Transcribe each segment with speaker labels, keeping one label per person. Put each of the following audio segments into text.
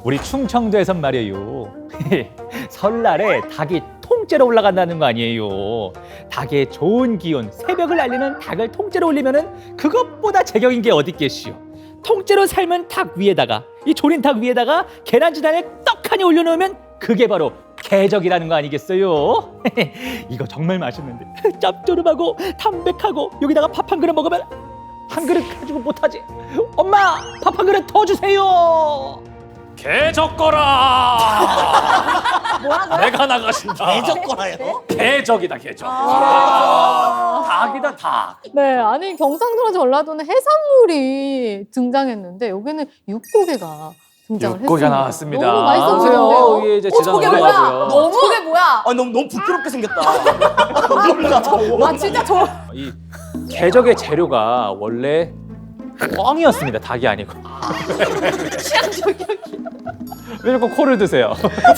Speaker 1: 우리 충청도에선 말이에요. 설날에 닭이 통째로 올라간다는 거 아니에요. 닭의 좋은 기운, 새벽을 알리는 닭을 통째로 올리면은 그것보다 제격인 게 어디 있겠시요. 통째로 삶은 닭 위에다가 이 조린 닭 위에다가 계란지단을 떡하니 올려놓으면 그게 바로 개적이라는 거 아니겠어요? 이거 정말 맛있는데 짭조름하고 담백하고 여기다가 밥 한 그릇 먹으면 한 그릇 가지고 못하지. 엄마 밥 한 그릇 더 주세요. 개적거라.
Speaker 2: 뭐라고요?
Speaker 1: 내가 나가신다.
Speaker 3: 개적거라요?
Speaker 1: 개적이다 개적. 닭이다 닭.
Speaker 2: 네, 아니 경상도나 전라도는 해산물이 등장했는데 여기는 육고개가 등장을 했습니다.
Speaker 1: 육고기가 나왔습니다.
Speaker 2: 너무 맛있어 보이는데요.
Speaker 1: 위에 이제 지단
Speaker 4: 저게 뭐야?
Speaker 1: 올라가고요.
Speaker 4: 저게 뭐야?
Speaker 3: 아 너무 부끄럽게 생겼다.
Speaker 4: 아 진짜 저
Speaker 1: 이 개적의 재료가 원래 꿩이었습니다. 닭이 아니고.
Speaker 4: 취향 저격이.
Speaker 1: 왜 자꾸 코를 드세요?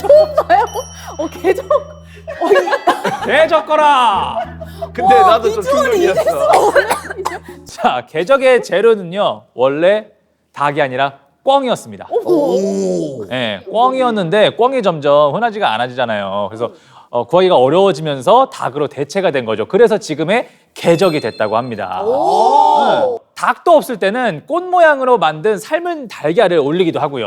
Speaker 2: 개적.
Speaker 1: 개적거라.
Speaker 3: 근데 나도 좀 충격이었어.
Speaker 1: 자, 개적의 재료는요 원래 닭이 아니라 꿩이었습니다.
Speaker 3: 오.
Speaker 1: 네, 꿩이었는데 꿩이 점점 흔하지가 않아지잖아요. 그래서 구하기가 어려워지면서 닭으로 대체가 된 거죠. 그래서 지금의 개적이 됐다고 합니다. 네. 닭도 없을 때는 꽃 모양으로 만든 삶은 달걀을 올리기도 하고요.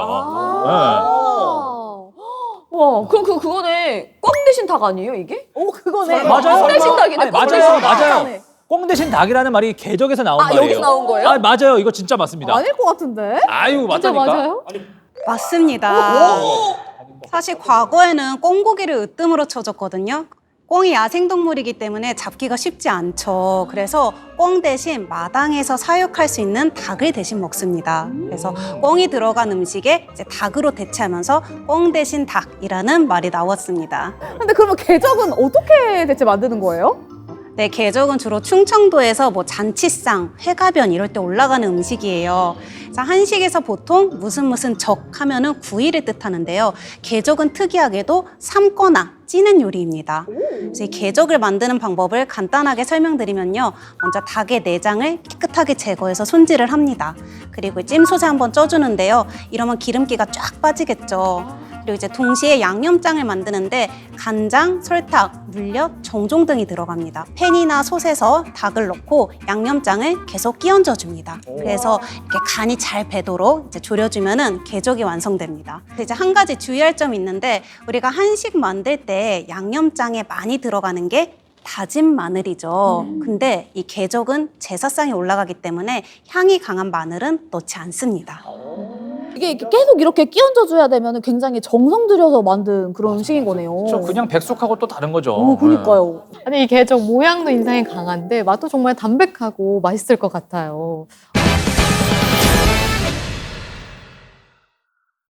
Speaker 4: 와, 그럼 그거네. 꽝 대신 닭 아니에요, 이게?
Speaker 2: 오 그거네.
Speaker 1: 네. 맞아요.
Speaker 4: 꽝 대신 닭이네.
Speaker 1: 아니,
Speaker 4: 꽝
Speaker 1: 맞아요,
Speaker 4: 대신 닭.
Speaker 1: 맞아요. 꿩 대신 닭이라는 말이 개적에서 나온 말이에요.
Speaker 4: 여기서 나온 거예요?
Speaker 1: 아, 맞아요. 이거 진짜 맞습니다.
Speaker 2: 아닐 것 같은데?
Speaker 1: 아유,
Speaker 2: 진짜
Speaker 1: 맞다니까.
Speaker 2: 맞아요?
Speaker 5: 맞습니다. 사실 과거에는 꿩고기를 으뜸으로 쳐줬거든요. 꿩이 야생동물이기 때문에 잡기가 쉽지 않죠. 그래서 꿩 대신 마당에서 사육할 수 있는 닭을 대신 먹습니다. 그래서 꿩이 들어간 음식에 이제 닭으로 대체하면서 꿩 대신 닭이라는 말이 나왔습니다.
Speaker 2: 근데 그러면 개적은 어떻게 대체 만드는 거예요?
Speaker 5: 네, 개적은 주로 충청도에서 뭐 잔치상, 회가변 이럴 때 올라가는 음식이에요. 그래서 한식에서 보통 무슨 적 하면은 구이를 뜻하는데요. 개적은 특이하게도 삶거나 찌는 요리입니다. 그래서 이 개적을 만드는 방법을 간단하게 설명드리면요. 먼저 닭의 내장을 깨끗하게 제거해서 손질을 합니다. 그리고 찜소스 한번 쪄주는데요. 이러면 기름기가 쫙 빠지겠죠. 그리고 이제 동시에 양념장을 만드는데 간장, 설탕, 물엿, 정종 등이 들어갑니다. 팬이나 솥에서 닭을 넣고 양념장을 계속 끼얹어 줍니다. 그래서 이렇게 간이 잘 배도록 이제 졸여주면은 개적이 완성됩니다. 근데 이제 한 가지 주의할 점이 있는데 우리가 한식 만들 때 양념장에 많이 들어가는 게 다진 마늘이죠. 근데 이 개적은 제사상에 올라가기 때문에 향이 강한 마늘은 넣지 않습니다.
Speaker 2: 이게 계속 이렇게 끼얹어줘야 되면 굉장히 정성 들여서 만든 그런 음식인 거네요.
Speaker 1: 저 그냥 백숙하고 또 다른 거죠.
Speaker 2: 오, 그러니까요. 아니 이 개적 모양도 인상이 강한데 맛도 정말 담백하고 맛있을 것 같아요.